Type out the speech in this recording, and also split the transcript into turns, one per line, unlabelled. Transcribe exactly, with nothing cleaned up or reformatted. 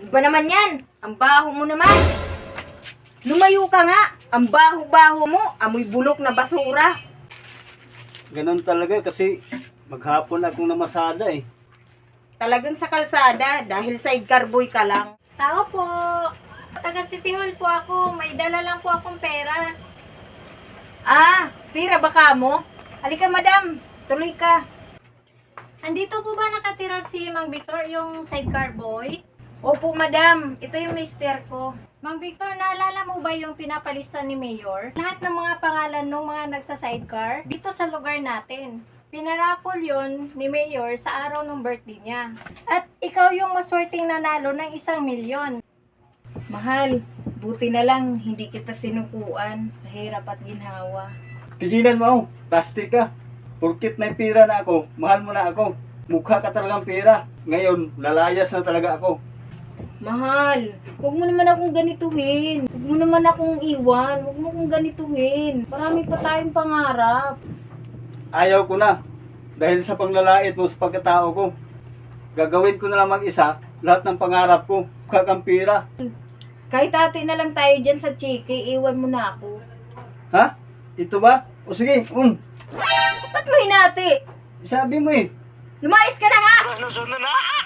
Iba naman yan. Ang baho mo naman. Lumayo ka nga. Ang baho-baho mo. Amoy bulok na basura.
Ganon talaga kasi maghapon akong namasada eh.
Talagang sa kalsada dahil sidecar boy ka lang.
Tao po. Taga City Hall po ako. May dala lang po akong pera.
Ah, pira baka mo? Halika madam, tuloy ka.
Andito po ba nakatira si Mang Victor, yung sidecar boy?
Opo madam, ito yung mister ko.
Mang Victor, naalala mo ba yung pinapalista ni Mayor? Lahat ng mga pangalan ng mga nagsa-sidecar dito sa lugar natin. Pinaraffle yon ni Mayor sa araw ng birthday niya. At ikaw yung maswerteng nanalo ng isang milyon.
Mahal, buti na lang hindi kita sinukuan sa hirap at ginhawa.
Tigilan mo, plastic ka. Porkit may pira na ako, mahal mo na ako. Mukha ka talagang pira. Ngayon, lalayas na talaga ako.
Mahal, huwag mo naman akong ganituhin. Huwag mo naman akong iwan. Huwag mo akong ganituhin. Marami pa tayong pangarap.
Ayaw ko na. Dahil sa panglalait mo sa pagkatao ko. Gagawin ko na lang mag-isa lahat ng pangarap ko. Mukha kang pira.
Kahit ate na lang tayo dyan sa chiki, iwan mo na ako.
Ha? Ito ba? O sige, um.
Ba't mo hinati?
Sabi mo eh.
Lumayas ka na nga!
Ano, sunod na?